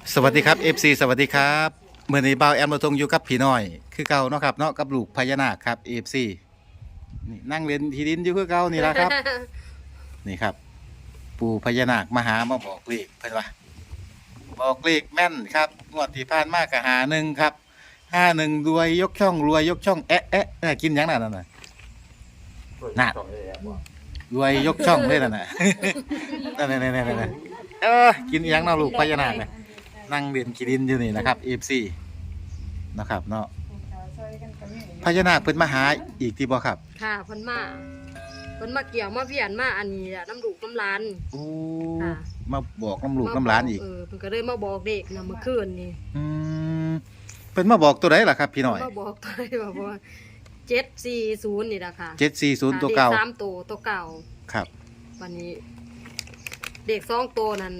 สวัสดีครับ FC สวัสดีครับเมื่อนี้บ่าวแอมมาทงอยู่กับพี่น้อยคือเก่าเนาะครับเนาะกับลูกพญานาคครับ FC นี่นั่งเล่นที่ดินอยู่คือเก่านี่ละครับ นี่ครับ ปู่พญานาคมาหามาบอกเลขเพิ่นว่าบอกเลขแม่นครับงวดที่ผ่านมาก็51ครับ51รวยยกช่องรวยยกช่องแอะแอะกินหยังนั่นน่ะน่ะรวยยกช่องเลยนั่นน่ะ นั่นกินอีหยังเนาะลูกพญานาคน่ะนั่งเล่นขี้ดินอยู่นี่นะครับ FC นะครับเนาะพญานาคเพิ่นมาหาอีกที่บ่ครับค่ะเพิ่นมาเกี่ยวมาเวียนมาอันนี้แหละน้ำลูกน้ำหลานโอ้ค่ะมาบอกน้ำลูกน้ำหลานอีกเพิ่นก็เลยมาบอกเด็กนะเมื่อคืนนี่อืมเพิ่นมาบอกตัวใดล่ะครับพี่น้อยมาบอกตัวเลยว่า740นี่ล่ะค่ะ 740ตัวเก่าด็3ตัวเก่าครับวันนี้ เด็ก2ตัวนั้น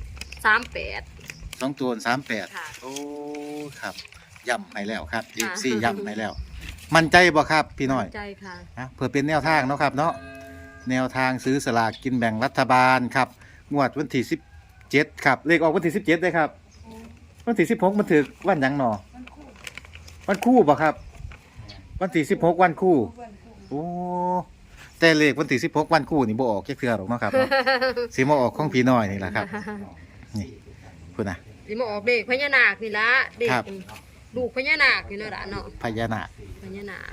38 2ตัว38 ค่ะโอ้ครับย่ำให้แล้วครับค่ะ FC ย่ำให้แล้ว มั่นใจบ่ครับพี่น้อยใจค่ะนะเพื่อเป็นแนวทางเนาะครับเนาะแนวทางซื้อสลากกินแบ่งรัฐบาลครับงวดวันที่17ครับเลขออกวันที่17ได้ครับวันที่16มันถึกวันหยังหนอวันคู่บ่ครับวันที่16วันคู่โอ้แต่เลขวันที่16วันคู่นี่บ่ออกแค่เทื่อหรอกเนาะครับเนาะ สิมาออกของพี่น้อยนี่แหละครับนี่พุ่นน่ะสิมาออกเด็กพญานาคนี่ละเด็กครับลูกพญานาคนี่เนาะล่ะเนาะพญานาคพญานาค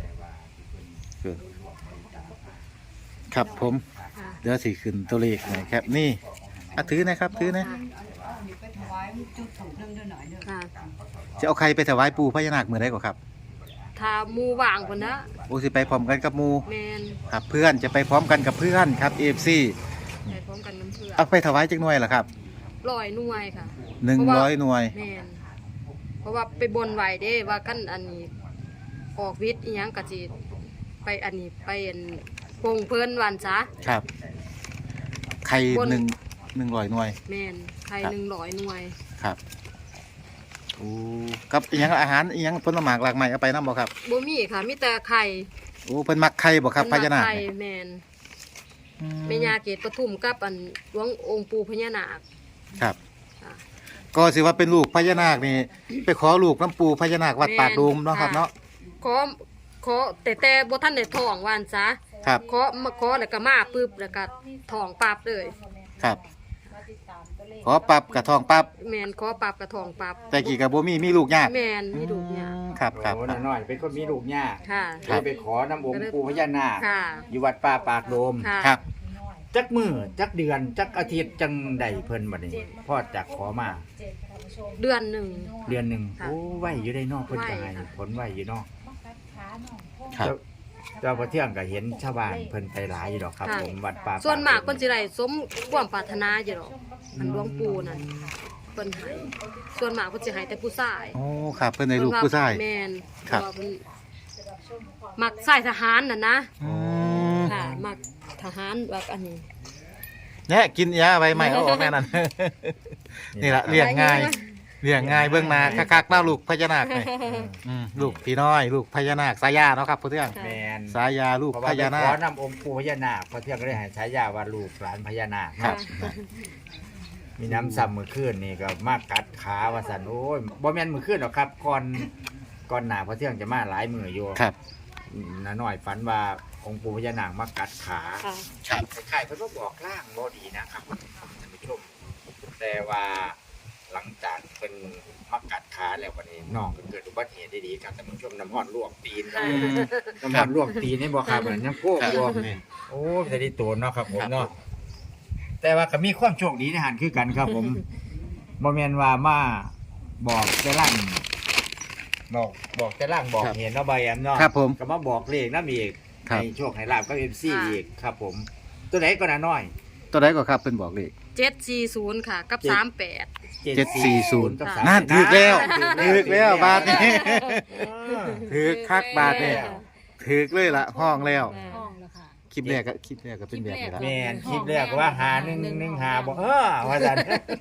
ครับผมค่ะเดี๋ยวสิขึ้นตัวเลขหน่อยครับนี่ถือนะครับถือนะค่ะจะเอาใครไปถวายปู่พญานาคมื้อใดก่อนครับถ้าหมู่ว่างพุ่นนะโอ้สิไปพร้อมกันกับหมู่แม่นครับเพื่อนจะไปพร้อมกันกับเพื่อนครับ FC ไปพร้อมกันน้ำเพื่อเอาไปถวายจักหน่วยล่ะครับ 100หน่วยค่ะ 100หน่วยแม่นเพราะว่าไปบนไหวเด้ว่ากันอันนี้ออกวิทย์อีหยังก็สิไปอันนี้ไปอันปงเพิ่นวันซะครับไข่บน 100หน่วยแม่นไทยครับ 100หน่วยครับโอ้กับอีหยังอาหารอีหยังผลไม้หลากหลายเอาไปนำบ่ครับบ่มีค่ะมีแต่ไข่โอ้เพิ่นมักไข่บ่ครับพญานาคไข่เนี่ยแม่นอืมแม่ย่าเกศปทุมกับอันหลวงองค์ปู่พญานาคครับค่ะก็สิว่าเป็นลูกพญานาคนี่ไปขอลูกน้ำปูพญานาควัดปากดูมเนาะครับเนาะขอแต่บ่ทันได้ท้องวันซะครับขอแล้วก็มาปึ๊บแล้วก็ท้องปั๊บเลยครับขอปรับกระทองปรับแม่นขอปั๊บก็ท้องปั๊บแต่กี่กับบ่มีลูกยากแม่นมีลูกเนี่ยครับครับโอ้น้อยๆเป็นคนมีลูกย่าค่ะครับเลยไปขอน้ำองค์ปู่พญานาคค่ะอยู่วัดป่าปากโดมค่ะครับจักมือจักเดือนจักอาทิตย์จังใดเพิ่นบัดนี้พ่อจากขอมาเดือนหนึ่งเดือนหนึงค่ะโอ้ไหวอยู่ได้เนอกเพิ่นก็ไหวให้ค่ะผลไหวอยู่เนอกครับเจ้าพระเที่ยงก็เห็นชาวบ้านเพิ่นไปหลายอยู่ดอกครับค่ะผมวัดป่าส่วนมากโดเพิ่นสิได้สมความปรารถนาอยู่ดอกมันหลวงปู่นั่นเพิ่นให้ส่วนมากเพิ่นสิให้แต่ผู้ชายโอ้ครับเพิ่นได้ลูกผู้ชายแม่นครับเพาะว่าเพิ่นมักสายทหารน่ะนะอืมค่ะมักทหารแบบอันนี้เนี่ยกินยาใบใหม่เอาออกแน่นั่น นี่ล่ะเลี้ยงง่ายเลี้ยงง่ายเบิ่งหน้าคักๆเนาะลูกพญานาคนี่ลูกพี่น้อยลูกพญานาคสายาเนาะครับผู้เทื่องแม่นสายาลูกเพราะพว่าไปญานาขอคน้ำองค์ปู่พญานาคพระเที่ยงก็ได้ให้ฉายาว่าลูกหลานพญานาคครับมีน้ำซ้ำมือขึ้นนี่ก็มากัดขาว่าสันโอ้ยบ่แม่นมือขึ้นหรอกครับก่อนหน้าพระเที่ยงจะมาหลายมืออยู่ครับน้าน้อยฝันว่าองค์ปู่พญานาคมากัดขาค่ะครับคล้ายๆเพิ่นก็บอกร่างบ่ดีนะครับท่านผู้ชมแต่ว่าหลังจากเป็นมากัดขาแล้ววันนี้น้องก็เกิดอุบัติเหตุดีๆครับท่านผู้ชมน้ำร้อนลวกตีนครับน้ำร้อนลวกตีนนี่บ่ครับเหมือนยังโก้ครับบ่โอ้จะได้ตัวเนาะครับผมเนาะแต่ว่าก็มีความโชคดีในหันคือกันครับผมบ่แม่นว่ามาบอกแต่ล่างบอกแต่ล่างบอกเห็นเนาะใบแอมเนาะครับผมก็มาบอกเลขนำอีกครับให้โชคให้ลาบกับ MC อีกครับผม ตัวไหนก็น่าน้อยตัวใดก็ครับเพิ่นบอกเลข 740ค่ะกับ38 740 กับค่ะนั่นถูกแล้วถูถูกแล้วบาทนี้เออถูกคักบาทนี่ถูกเลยล่ะห้องแล้วห้องแล้วค่ะคลิปแรกก็เป็นแบบนี้ละแม่นคลิปแรกว่าหา111หาบอกว่าซั่น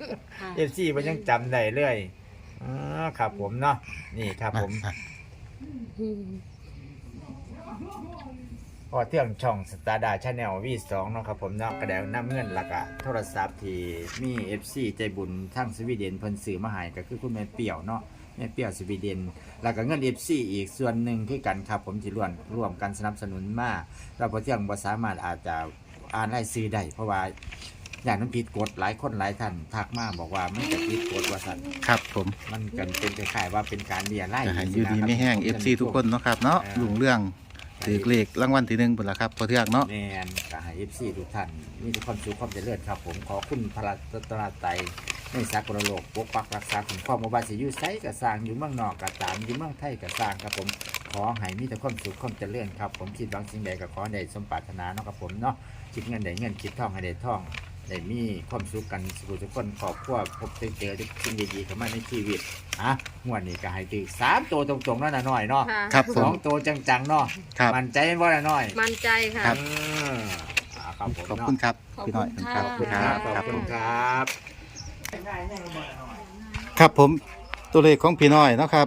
FC มันยังจำได้เลยอ๋อครับผมเนาะนี่ครับผมอืมพอเที่ยงช่องสตาร์ดาชาแนลV2เนาะครับผมเนาะกระเดวน้ำเงินแล้วก็โทรศัพท์ที่มี FC ใจบุญทั้งสวีเดนเพิ่นซื้อมาให้ก็คือคุณแม่เปี่ยวเนาะแม่เปี่ยวสวีเดนแล้วก็เงิน FC อีกส่วนหนึ่งคือกันครับผมที่ร่วมกันสนับสนุนมาแล้วพอเที่ยงบ่สามารถอาจจะอ่านรายชื่อได้เพราะว่าอย่างนั้นผิดกฎหลายคนหลายท่านทักมาบอกว่ามันจะผิดกฎว่าซั่นครับผมมันกันเป็นคล้ายๆว่าเป็นการเรียนไล่ก็ให้อยู่ดีไม่แห้ง FC ทุกคนเนาะครับเนาะลุงเรื่องถือเลขรางวัลที่1พุ่นล่ะครับพอเทืองเนาะแมนก็ให้ FC ทุกท่านมีแต่ความสุขความเจริญครับผมขอคุณพระรัตนตรัยในสากลโลกปกปักรักษาคุ้มครองบ่ว่าสิอยู่ไสก็สร้างอยู่เมืองนอกก็ตามอยู่เมืองไทยก็สร้างครับผมขอให้มีแต่ความสุขความเจริญครับผมคิดหวังสิ่งใดก็ขอให้ได้สมปรารถนาเนาะครับผมเนาะคิดเงินได้เงินคิดทองให้ได้ทองได้มีความสุขกันทุกคนครอบครัวพบเจอสิ่งดีๆเข้ามาในชีวิตงวดนี้ก็ให้ถึง3ตัวตรงๆนั่นน่ะหน่อยเนาะค่ะครับผม 2ตัวจังๆเนาะครับมันใจบ่น่ะหน่อยมั่นใจค่ะครับครับผมขอบคุณครับพี่น้อยครับขอบคคุณรัค่ะบขอบครับคุผณมครับครับผมตัวเลขของพี่น้อยเนาะครับ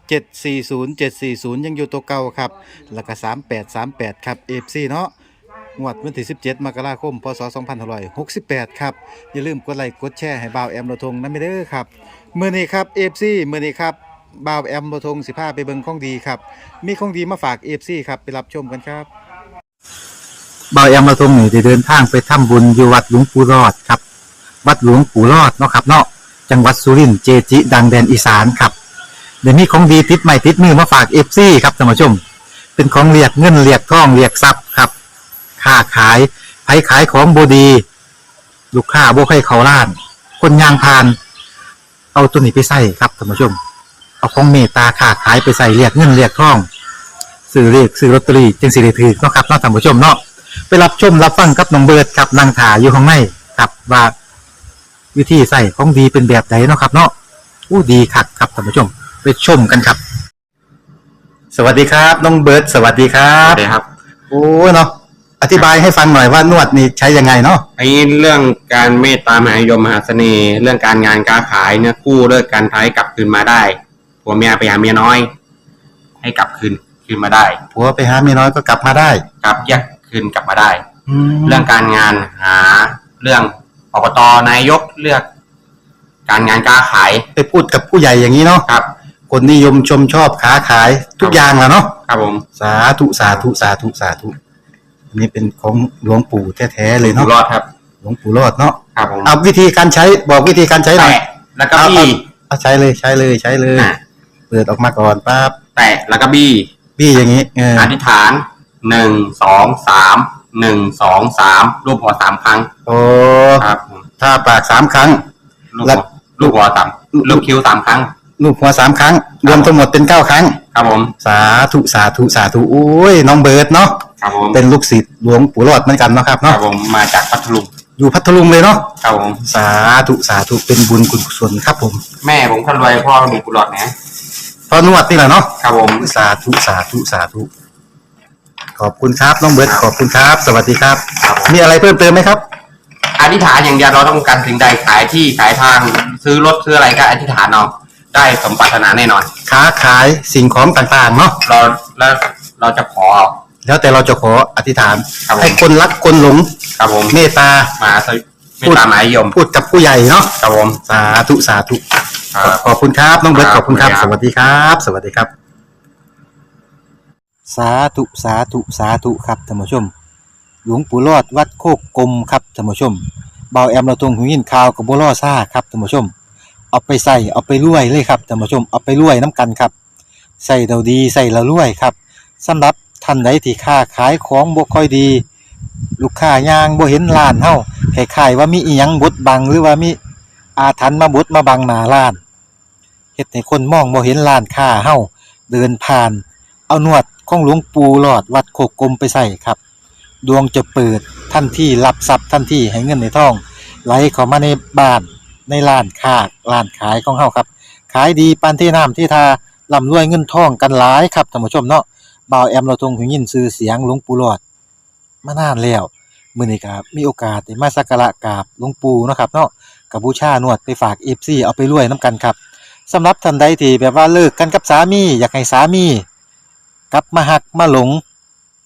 740 ยังอยู่ตัวเก่าครับแล้วก็3838ครับ FC เนาะงวดวันที่17มกราคมพศ2568ครับอย่าลืมกดไลค์กดแชร์ให้บ่าวแอมโรทงนำเด้อครับมื้อนี้ครับ FC มื้อนี้ครับบ่าวแอมโรทงสิพาไปเบิ่งของดีครับมีของดีมาฝาก FC ครับไปรับชมกันครับบ่าวแอมโรทงนี่ได้เดินทางไปทำบุญอยู่วัดหลวงปู่รอดครับวัดหลวงปู่รอดเนาะครับเนาะจังหวัดสุรินทร์เจจิ ดังแดนอีสานครับเดี๋ยวนี้ของดีติดใหม่ติดมือมาฝาก FC ครับท่านผู้ชมเป็นของเรียกเงินเรียกทองเรียกทรัพย์ครับค้าขายไผขายของบดีลูกค้าบ่ให้เขาล้าน คนยางพาน เอาตัวนี้ไปใส่ครับท่านผู้ชม เอาของเมตตาค้าขายไปใส่เรียกเงินเรียกทองซื้อเรียกซื้อลอตเตอรี่จึงสิได้ถือเนาะครับเนาะท่านผู้ชมเนาะไปรับชมรับฟังกับน้องเบิร์ดครับนางถาอยู่ข้างในครับว่าวิธีใส่ของดีเป็นแบบไหนเนาะครับเนาะอู้ดีคักครับท่านผู้ชมไปชมกันครับ สวัสดีครับน้องเบิร์ดสวัสดีครัครับ บครับโอ้เนาะอธิบายให้ฟังหน่อยว่านวดนี่ใช้ยังไงเนาะไอ้เรื่องการเมตตามหานิยมมหาเสน่ห์ เรื่องการงานการขายเนี่ยกู้เลิกการท้ายกลับคืนมาได้ผัวเมียไปหาเมียน้อย ให้กลับคืนมาได้ผัวไปหาเมียน้อยก็กลับมาได้กลับแยกคืนกลับมาได้แล้เรื่วองการงานหาเรื่องอบตนายกเลือก การงานการขายไปพูดกับผู้ใหญ่อย่างนี้เนาะครับคนนิยมชมชอบค้าขายทุกอย่างแหละเนาะครับผมสาธุสาธุสาธุสาธุอันนี้เป็นของหลวงปู่แท้ๆเลยอยู่เนาะรอดครับหลวงปู่รอดเนาะครับผมเอาวิธีการใช้บอกวิธีการใช้หน่อยแตะแล้วก็บี้เอาใช้เลยใช้เลยใช้เลยอ่ะเปิดออกมาก่อนปั๊บแตะแล้วก็บี้พี่อย่างนี้เอออธิษฐาน1 2 3 1 2 3รูปหัว3ครั้งโอ้ครับผมถ้าปาก3 ครั้งลูกแล้หัววลูกหัวต่ำลูกคิ้ว3 ครั้งลูกหัว3 ครั้ง รวมทั้งหมดเป็น9 ครั้งครับผมสาธุสาธุสาธุโอ้ยน้องเบิร์ดเนาะครับผมเป็นลูกศิษย์หลวงปู่รอดเหมือนกันเนาะครับครัเนาะบผมมาจากพัทลุงอยู่พัทลุงเลยเนาะครับผมสาธุสาธุเป็นบุญกุศลครับผมแม่ผมคนรวยพ่อมีกุหลาบนะพอนวดนี่แหละเนาะครับผมสาธุสาธุสาธุขอบคุณครับน้องเบิร์ดขอบคุณครับ สวัสดีครับครับผมมีอะไรเพิ่มเติมไหมครับอธิษฐานอย่างเดียวเราต้องการสิ่งใดขายที่ขายทางซื้อรถซื้ออะไรก็อธิษฐานเอาได้สมปรารถนาแน่นอนค้าขายสิ่งของต่างๆเนาะแล้วเราจะขอแล้วแต่เราจะขออธิษฐานครับผมให้คนรักคนหลงครับผมเมตตามาสวิไม่ตามหมายยมพูดกับผู้ใหญ่เนาะครับผมสาธุสาธุครับขอบคุณครับน้องเบิร์ตคขรับอบคุณครับขอบสคุณครับวัสดีครับ สวัสดีครับ สาธุสาธุสาธุครับท่านผู้ชม หลวงปู่รอดวัดโคกกลมครับท่านผู้ชมเบาแอมเราตรงหูยินข่าวกับบัวล่อซ่าครับท่านผู้ชม เอาไปใส่เอาไปรวยเลยครับท่านผู้ชมเอาไปรวยน้ำกันครับใส่เราดีใส่เรารวยครับสำหรับท่านใดที่ค้าขายของบ่ค่อยดี ลูกค้ายางบ่เห็นร้านเฮาคล้ายๆว่ามีอีหยังบดบังหรือว่ามีอาถรรพ์มาบดมาบังหน้าร้านเฮ็ดให้คนมองบ่เห็นร้านค้าเฮาเดินผ่าน เอานวดของหลวงปู่หลอดวัดโคกกลมไปใส่ครับ ดวงจะเปิดทันทีรับทรัพย์ทันทีให้เงินในท้องไหลเข้ามาในบ้านในร้านค้าร้านขายของเฮาครับขายดีปานที่น้ำที่ทาร่ำรวยเงินทองกันหลายครับท่านผู้ชมเนาะบ่าวแอมเราทรงหูยินชื่อเสียงหลวงปู่หลอดมานานแล้วมื้อนี้ก็มีโอกาสได้มาสักการะกราบหลวงปู่เนาะครับเนาะก็บูชานวดไปฝาก FC เอาไปรวยนํกันครับสำหรับท่านใดที่แบบว่าเลิกกันกับสามีอยากให้สามีกลับมาหักมาหลง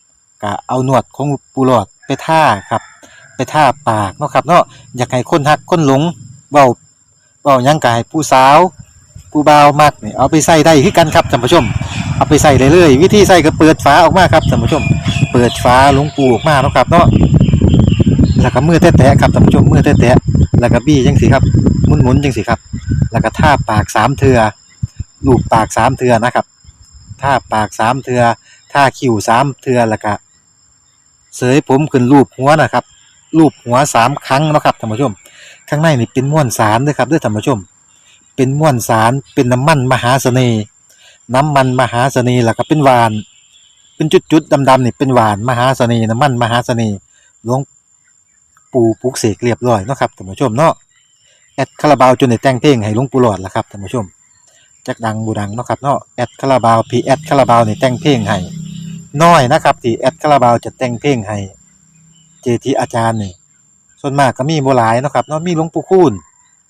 ก็เอาหนวดของปูหลอดไปท่าครับ ไปท่าปากเนาะครับเนาะอยากให้คนฮักคนหลงเว้าหยังก็ให้ผู้สาวผู้บ่าวมักนี่เอาไปใส่ได้คือกันครับท่านผู้ชมเอาไปใส่ได้เลยวิธีใส่ก็เปิดฝาออกมาครับท่านผู้ชมเปิดฝาหลวงปูออกมาเนาะครับเนาะแล้วก็มือแตะๆครับท่านผู้ชมมือแตะๆแล้วก็บี้จังสิครับหมุนๆจังสิครับแล้วก็ท่าปาก3เทื่อลูบปาก3เทื่อนะครับท่าปาก3เทื่อท่าคิ้ว3เทื่อแล้วก็เสยผมขึ้นรูปหัวนะครับรูปหัว3ครั้งเนาะครับท่านผู้ชมข้างในนี่เป็นม้วนสารเด้อครับเด้อท่านผู้ชมเป็นม้วนสารเป็นน้ำมันมหาเสน่ห์น้ำมันมหาเสน่ห์แล้วก็เป็นหวานเป็นจุดๆดำๆนี่เป็นหวานมหาเสน่ห์น้ำมันมหาเสน่ห์หลวงปู่ปลุกเสกเรียบร้อยเนาะครับท่านผู้ชมเนาะแอดคาราบาวจนได้แต่งเพลงให้หลวงปู่หลอดล่ะครับท่านผู้ชมจักดังบ่ดังเนาะครับเนาะแอดคาราบาวพี่แอดคาราบาวนี่แต่งเพลงให้น้อยนะครับที่แอดคาราบาวจะแต่งเพลงให้เจทีอาจารย์นี่ส่วนมากก็มีบ่หลายเนาะครับเนาะมีหลวงปู่คูณ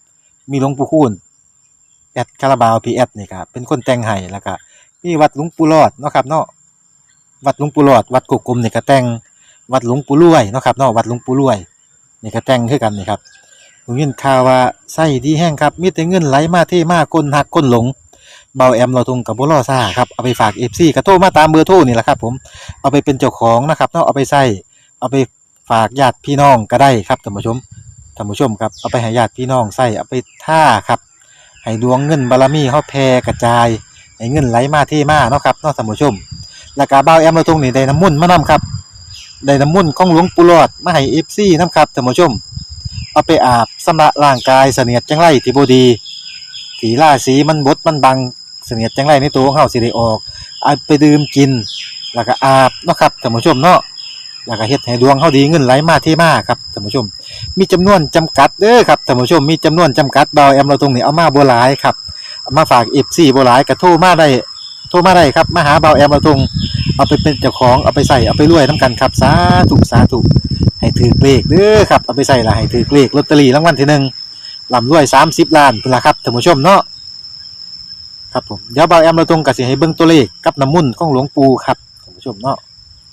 แอดคาราบาวพีแอดนี่ครับเป็นคนแต่งให้แล้วก็มีวัดหลวงปู่รอดเนาะครับเนาะวัดหลวงปู่รอดวัดกุกกลมนี่ก็แต่งวัดหลวงปู่รวยเนาะครับเนาะวัดหลวงปู่รวยนี่ก็แต่งคือกันนี่ครับผมยินข่าวว่าไส้ดีแห้งครับมีแต่เงินไหลมาเทมาคนหักคนหลงเบาแอมเราทุงกับบ่รอซ่าครับเอาไปฝาก FC ก็โทรมาตามเบอร์โทรนี่แหละครับผมเอาไปเป็นเจ้าของนะครับเนาะเอาไปใช้เอาไปฝากญาติพี่น้องก็ได้ครับท่านผู้ชมครับเอาไปให้ญาติพี่น้องใช้เอาไปท่าครับให้ดวงเงินบารมีเฮาแผ่กระจายให้เงินไหลมาเทมาเนาะครับเนาะท่านผู้ชมแล้วก็บ่าวแอมเราตรงนี้ได้น้ำมนต์มานํครับได้น้ำมนต์ของหลวงปู่หลอดมาให้ FC นํครับท่านผู้ชมเอาไปอาบชำระร่างกายเสนียดจังไรที่บ่ดีที่ราศีมันบดมันบังเสนียดจังไรในตัวของเฮาสิได้ออกเอาไปดื่มกินแล้วก็อาบเนาะครับท่านผู้ชมเนาะแล้วก็เฮ็ดให้ดวงเฮาดีเงินไหลมาเทมาครับท่านผู้ชมมีจำนวนจำกัดเด้อครับท่านผู้ชมมีจำนวนจำกัดบ่าวแอมเราตรงนี้เอามาบ่หลายครับเอามาฝาก FC บ่หลายก็โทรมาได้ครับมาหาบ่าวแอมเราตรงเอาไปเป็นเจ้าของเอาไปใส่เอาไปรวยนํกันครับสาธุให้ถือเลขเด้อครับเอาไปใส่ละให้ถือเลขลอตเตอรี่รางวัลที่1ร่ำรวย30ล้านพุ่นล่ะครับท่านผู้ชมเนาะครับผมเดี๋ยวบ่าวแอมเราตรงก็สิให้เบิ่งตัวเลขกับน้ำมนต์ของหลวงปู่ครับท่านผู้ชมเนาะ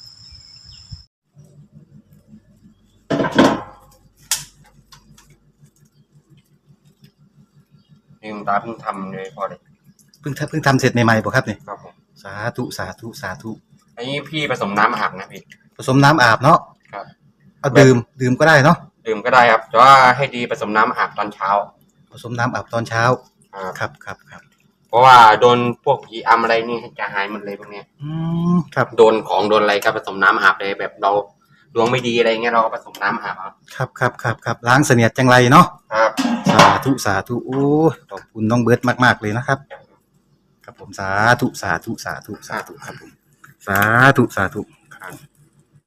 ลืมตาเพิ่งทำเลยพอเลยเพิ่งทำเสร็จใหม่ๆบ่ครับนี่ครับผมสาธุอันนี้พี่ผสมน้ำอาบนะพี่ผสมน้ำอาบเนาะครับเอาดื่มก็ได้เนาะดื่มก็ได้ครับแต่ว่าให้ดีผสมน้ำอาบตอนเช้าผสมน้ำอาบตอนเช้าครับครับเพราะว่าโดนพวกผีอำอะไรนี่จะหายหมดเลยพวกเนี้ยครับโดนของโดนอะไรก็ผสมน้ำอาบเลยแบบเราดวงไม่ดีอะไรเงี้ยเราก็ผสมน้ำอาบเอาครับล้างเสนียดจังไรเนาะครับสาธุโอ้ยขอบคุณน้องเบิร์ตมากๆเลยนะครับ ครับผมสาธุครับผมสาธุ